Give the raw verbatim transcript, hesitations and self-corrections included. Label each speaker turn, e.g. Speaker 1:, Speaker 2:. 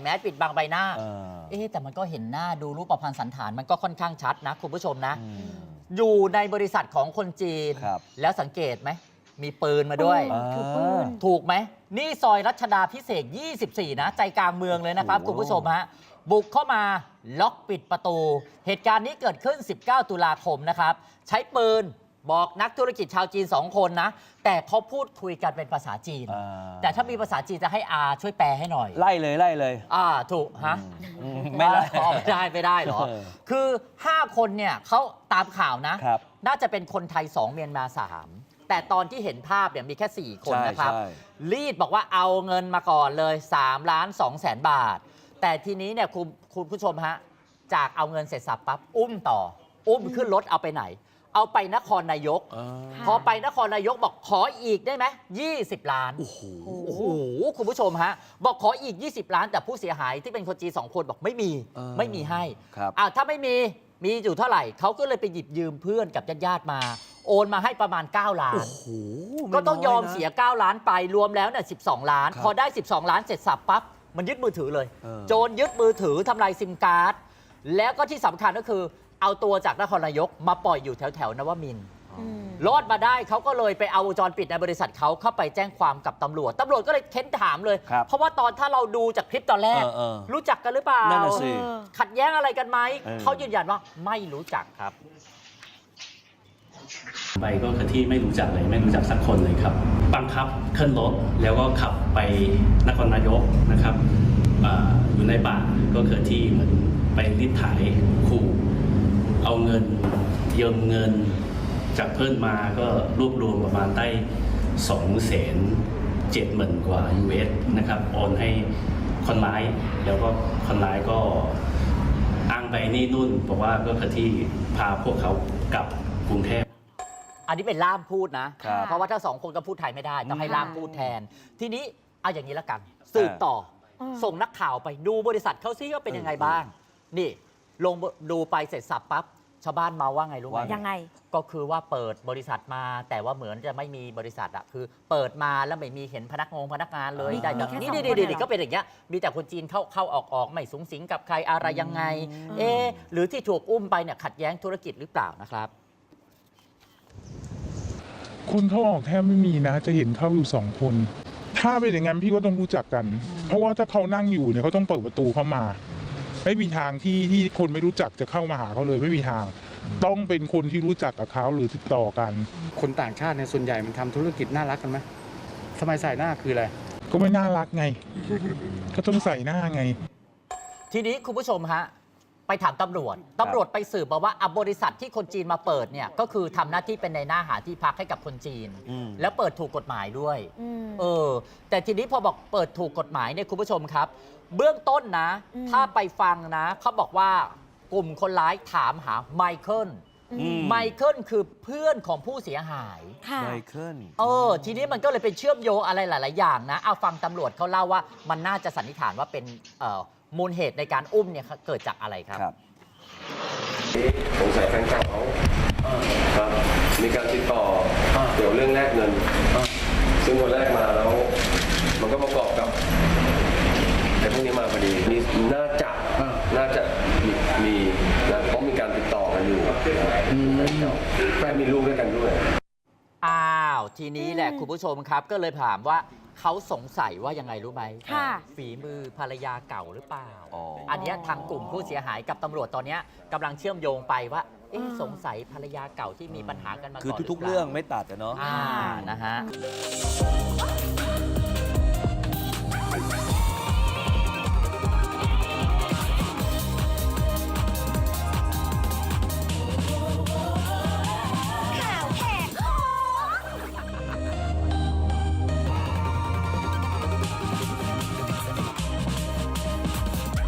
Speaker 1: แมสปิดบังใบหน้าเอ๊ะแต่มันก็เห็นหน้าดูรูปพรรณสันฐานมันก็ค่อนข้างชัดนะคุณผู้ชมนะอยู่ในบริษัทของคนจีนแล้วสังเกตไหมมีปืนมาด้วยถูกไหมนี่ซอยรัชดาพิเศษยี่สิบสี่นะใจกลางเมืองเลยนะครับคุณผู้ชมฮะบุกเข้ามาล็อกปิดประตูเหตุการณ์นี้เกิดขึ้นสิบเก้าตุลาคมนะครับใช้ปืนบอกนักธุรกิจชาวจีนสองคนนะแต่เขาพูดคุยกันเป็นภาษาจีนแต่ถ้ามีภาษาจีนจะให้อาช่วยแปลให้หน่อย
Speaker 2: ไล่เลยไล่เลย
Speaker 1: อ่าถูกฮะ
Speaker 2: ไม่ได้
Speaker 1: ไม่ได้ไม่ได้หรอคือห้าคนเนี่ยเขาตามข่าวนะน่าจะเป็นคนไทยสองเมียนมาสามแต่ตอนที่เห็นภาพเนี่ยมีแค่สี่คนนะครับรีดบอกว่าเอาเงินมาก่อนเลยสามล้านสองแสนบาทแต่ทีนี้เนี่ยคุณคุณผู้ชมฮะจากเอาเงินเสร็จสับปั๊บอุ้มต่ออุ้มขึ้นรถเอาไปไหนเอาไปนครนายกพอไปนครนายกบอกขออีกได้ไหมยี่สิบล้านโอ้โหโอ้โหคุณผู้ชมฮะบอกขออีกยี่สิบล้านแต่ผู้เสียหายที่เป็นคนจีนสองคนบอกไม่มีไม่มีให้อ่าถ้าไม่มีมีอยู่เท่าไหร่เขาก็เลยไปหยิบยืมเพื่อนกับญาติๆมาโอนมาให้ประมาณเก้าล้านก็ต้องยอมเสียเก้าล้านไปรวมแล้วเนี่ยสิบสองล้านพอได้สิบสองล้านเสร็จสับปั๊บมันยึดมือถือเลยโจรยึดมือถือทำลายซิมการ์ดแล้วก็ที่สำคัญก็คือเอาตัวจากนครนายกมาปล่อยอยู่แถวแถวนวมินทร์รอดมาได้เขาก็เลยไปเอาวงจรปิดในบริษัทเขาเข้าไปแจ้งความกับตำรวจตำรวจก็เลยเค้นถามเลยเพราะว่าตอนถ้าเราดูจากคลิปตอนแรกรู้จักกันหรือเปล่าขัดแย้งอะไรกันไหมเขายืนยันว่าไม่รู้จักครับ
Speaker 3: ไปก็คือที่ไม่รู้จักเลยไม่รู้จักสักคนเลยครับบังคับขึ้นรถแล้วก็ขับไปนครนายกนะครับ อ, อยู่ในป่าก็คือที่เหมือนไปรีดไถขู่เอาเงินยืมเงินจากเพื่อนมาก็รวบรวมประมาณได้สองแสนเจ็ดหมื่นกว่า ยู เอส นะครับโอนให้คนร้ายแล้วก็คนร้ายก็อ้างไปนี่นู่นบอกว่าก็คือที่พาพวกเขากลับกรุงเทพ
Speaker 1: อันนี้เป็นล่ามพูดนะเพราะว่าถ้าสองคนก็พูดไทยไม่ได้ต้องให้ล่ามพูดแทนทีนี้เอาอย่างนี้ละกันสืบต่อส่งนักข่าวไปดูบริษัทเขาซิว่าเป็นยังไงบ้างนี่ลงดูไปเสร็จสับปั๊บชาวบ้านมาว่าไงรู้ไหม
Speaker 4: ยังไง
Speaker 1: ก็คือว่าเปิดบริษัทมาแต่ว่าเหมือนจะไม่มีบริษัทอะคือเปิดมาแล้วไม่มีเห็นพนักงงพนักงานเลยได้แต่นี่ดีๆก็เป็นอย่างเงี้ยมีแต่คนจีนเข้าเข้าออกออกไม่สูงสิงกับใครอะไรยังไงเอ๊หรือที่ถูกอุ้มไปเนี่ยขัดแย้งธุรกิจหรือเปล่านะครับ
Speaker 5: คนเข้าออกแทบไม่มีนะจะเห็นเข้าอยู่สองคนถ้าเป็นอย่างนั้นพี่ก็ต้องรู้จักกันเพราะว่าถ้าเขานั่งอยู่เนี่ยเขาต้องเปิดประตูเข้ามาไม่มีทางที่ที่คนไม่รู้จักจะเข้ามาหาเขาเลยไม่มีทางต้องเป็นคนที่รู้จักกับเขาหรือติดต่อกัน
Speaker 6: คนต่างชาติในส่วนใหญ่มันทำธุรกิจน่ารักกันไหมสมัยใส่หน้าคืออะไร
Speaker 5: ก็ไม่น่ารักไงก็ต้องใส่หน้าไง
Speaker 1: ทีนี้คุณผู้ชมฮะไปถามตำรวจตำรวจไปสืบมาว่าบริษัทที่คนจีนมาเปิดเนี่ยก็คือทำหน้าที่เป็นในหน้าหาที่พักให้กับคนจีนแล้วเปิดถูกกฎหมายด้วยเออแต่ทีนี้พอบอกเปิดถูกกฎหมายเนี่ยคุณผู้ชมครับเบื้องต้นนะถ้าไปฟังนะเขาบอกว่ากลุ่มคนร้ายถามหาไมเคิลไมเคิลคือเพื่อนของผู้เสียหาย
Speaker 2: ไมเคิล
Speaker 1: เออทีนี้มันก็เลยเป็นเชื่อมโยงอะไรหลายๆอย่างนะเอาฟังตำรวจเขาเล่าว่ามันน่าจะสันนิษฐานว่าเป็นเอ่อมูลเหตุในการอุ้มเนี่ยเกิดจากอะไรครับ
Speaker 7: สงสัยแฟนเก่าเขาครับมีการติดต่อเกี่ยวเรื่องแลกเงินซึ่งวันแรกมาแล้วมันก็ประกอบกับแต่พวกนี้มาพอดีนี่น่าจะน่าจะมีนะเพราะมีการติดต่อกันอยู่แฟนมีลูกด้วยกันด้วย
Speaker 1: อ้าวทีนี้แหละคุณผู้ชมครับก็เลยถามว่าเขาสงสัยว่ายังไงรู้ไหมฝีมือภรรยาเก่าหรือเปล่า อ, อันนี้ทางกลุ่มผู้เสียหายกับตำรวจตอนนี้กำลังเชื่อมโยงไปว่าสงสัยภรรยาเก่าที่มีปัญหากันมาก่อน
Speaker 2: คือทุกๆเรื่องไม่ตัดนะเนาะ
Speaker 1: อ่านะฮะ